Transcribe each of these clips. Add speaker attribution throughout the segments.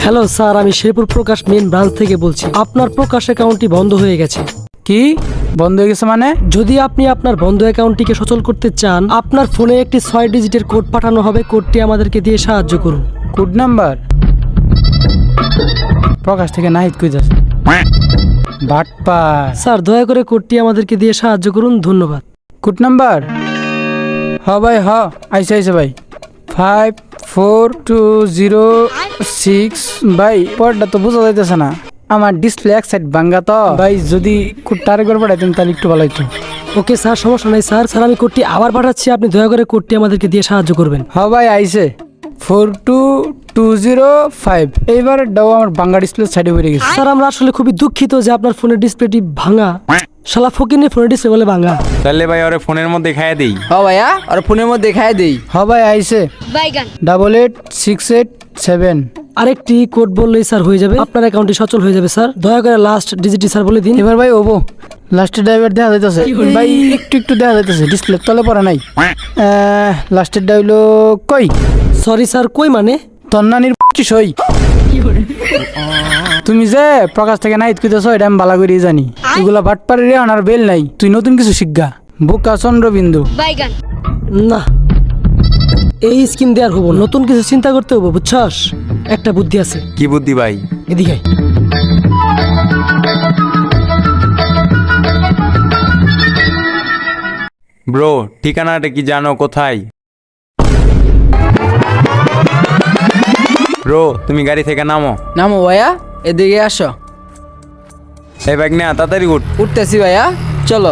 Speaker 1: Hello sir, আমি শেরপুর প্রকাশ main branch থেকে বলছি। আপনার প্রকাশ অ্যাকাউন্টটি বন্ধ হয়ে গেছে।
Speaker 2: কি বন্ধ হয়ে গেছে মানে?
Speaker 1: যদি আপনি আপনার বন্ধ অ্যাকাউন্টটিকে সচল করতে চান, আপনার ফোনে একটি 6 ডিজিটের কোড পাঠানো হবে। কোডটি আমাদেরকে দিয়ে সাহায্য করুন।
Speaker 2: কোড নাম্বার প্রকাশ থেকে নাহিদ কইতাছে বাটপা।
Speaker 1: স্যার, দয়া করে কোডটি আমাদেরকে দিয়ে সাহায্য করুন, ধন্যবাদ।
Speaker 2: কোড নাম্বার ভাই আইসে ভাই 5420 ভাই। পরটা তো বোঝা যাইতেছে না, আমার ডিসপ্লে এক সাইড ভাঙ্গা তো ভাই। যদি কোডটা আরেকবার পাঠাইতেন তাহলে একটু ভালো হইতো।
Speaker 1: ওকে স্যার, সমস্যা নাই স্যার। স্যার, আমি কোডটি আবার পাঠাচ্ছি, আপনি দয়া করে কোডটি আমাদেরকে দিয়ে সাহায্য করবেন।
Speaker 2: ভাই আইসে 42205। এইবার ডাও আমার ভাঙ্গা ডিসপ্লে সাইডে পড়ে গেছে।
Speaker 1: স্যার, আমরা আসলে খুবই দুঃখিত যে আপনার ফোনের ডিসপ্লেটি ভাঙা। শালা ফকিনের ফোনের ডিসপ্লে বলে ভাঙা।
Speaker 3: তাহলে ভাই ওরে ফোনের মধ্যে খাইয়ে দেই।
Speaker 4: ভাইয়া আর ফোনের মধ্যে দেখায় দেই।
Speaker 2: ভাই আইসে 88687।
Speaker 1: আরেকটি কোড বললেই স্যার হয়ে যাবে, আপনার অ্যাকাউন্টটি সচল হয়ে যাবে। স্যার, দয়া করে লাস্ট ডিজিটটি স্যার বলে দিন।
Speaker 2: এবার ভাই ওবো লাস্টের ড্রাইভার দেখা যাইতেছে ভাই, একটু দেখা যাইতেছে, ডিসপ্লে তলে পড়া নাই। লাস্টের ডাইলো কই?
Speaker 1: সরি স্যার, কই মানে?
Speaker 2: তন্নানির সই। তুমি যে প্রকাশ থেকে নাইত কইতেছ এটা আমি বালা করেই জানি। এগুলা বাটপাড়ি রে আর বেল নাই। তুই নতুন কিছু শিখগা। বোকা চন্দ্রবিন্দু।
Speaker 1: না, এই স্কিম দেওয়ার হবো, নতুন কিছু চিন্তা করতে হবো, বুঝছস? একটা বুদ্ধি আছে।
Speaker 3: কি বুদ্ধি ভাই?
Speaker 1: এদিকে
Speaker 3: ব্রো, ঠিকানাটা কি জানো কোথায়? ব্রো, তুমি গাড়ি থেকে নামো।
Speaker 4: নামো ভাইয়া, এদিকে আসো।
Speaker 3: এই ব্যাগ না, তাড়াতাড়ি উঠ।
Speaker 4: উঠতেছি ভাইয়া, চলো।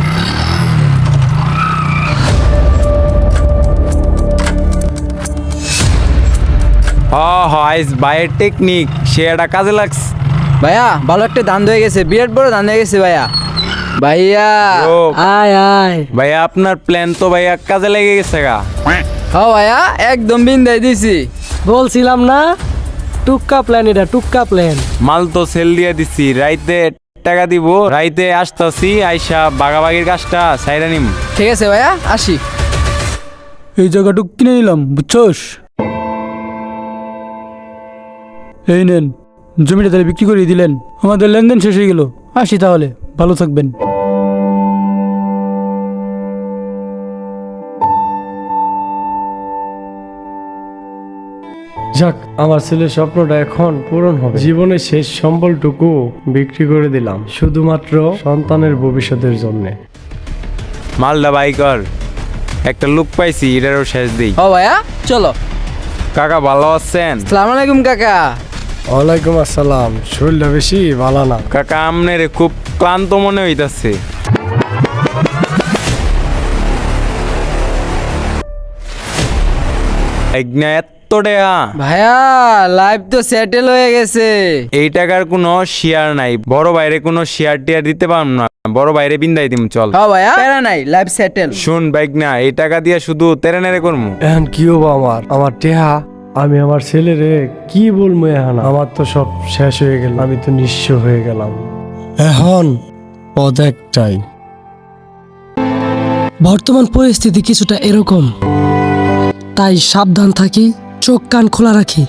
Speaker 3: আইস বাইয়ের টেকনিক সে একটা কাজে লাগছে।
Speaker 4: ভাইয়া ভালো একটা দান হয়ে গেছে, বিরাট বড় দান হয়ে গেছে ভাইয়া। ভাইয়া
Speaker 3: ব্রো,
Speaker 1: আয় আয়।
Speaker 3: ভাইয়া আপনার প্ল্যান তো ভাইয়া কাজে লেগে গেছে গা।
Speaker 4: ভাইয়া একদম বিন্দাই দিছি।
Speaker 1: বলছিলাম না, টুক্কা প্ল্যান, এটা টুক্কা প্ল্যান।
Speaker 3: মাল তো সেল দিয়ে দিছি, রাইতে টাকা দিব, রাইতে আসতাছি, আইসা বাগাবাগির কাজটা সাইরা নিম।
Speaker 4: ঠিক আছে ভাইয়া, আসি।
Speaker 2: এই জায়গাটুক কিনে নিলাম, বুঝছস? এই নেন, জমিটা তাহলে বিক্রি করে দিলেন। আমাদের লেনদেন শেষ হয়ে গেল। আসি তাহলে, ভালো থাকবেন।
Speaker 5: যাক, আমার ছেলের স্বপ্নটা এখন পূরণ হবে। জীবনের শেষ সম্বলটুকু বিক্রি করে দিলাম শুধুমাত্র সন্তানের ভবিষ্যতের জন্য।
Speaker 3: মালদা বাইকর একটা লুক পাইছি, এটারও শেষ দিই।
Speaker 4: ভাইয়া চলো।
Speaker 3: কাকা ভালো আছেন?
Speaker 4: সালাম আলাইকুম কাকা।
Speaker 5: ওয়ালাইকুম আসসালাম। শরীরটা বেশি ভালো না
Speaker 3: কাকা, আমনের খুব ক্লান্ত মনে হইতাছে। এত টাকা?
Speaker 4: ভাইয়া লাইফ তো সেটেল হয়ে গেছে।
Speaker 3: এই টাকার কোনো শেয়ার নাই, বড় বাইরে কোনো শেয়ার টিয়ার দিতে পারব না, বড় বাইরে বিন্দাই দিম। চল
Speaker 4: ভাইয়া, প্যারা নাই, লাইফ সেটেল।
Speaker 3: শুন বাইক না, এই টাকা দিয়া শুধু তেরে করমু।
Speaker 5: এখন কি হবো আমার টেহা? আমি আমার ছেলেরে কি বলবো? এখন আমার তো সব শেষ হয়ে গেল, আমি তো নিঃস্ব হয়ে গেলাম। এখন পদ একটাই।
Speaker 1: বর্তমান পরিস্থিতি কিছুটা এরকম, তাই সাবধান থাকি, চোখ কান খোলা রাখি।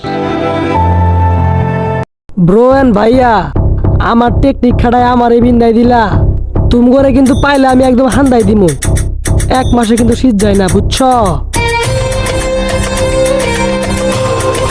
Speaker 1: ব্রো এন্ড ভাইয়া, আমার টেকনিক খাটায় আমার এই বিন্দাই দিলা। তুমি করে কিন্তু পাইলে আমি একদম হান্দাই দিমু। 1 মাসে কিন্তু শীত যায় না, বুঝছো?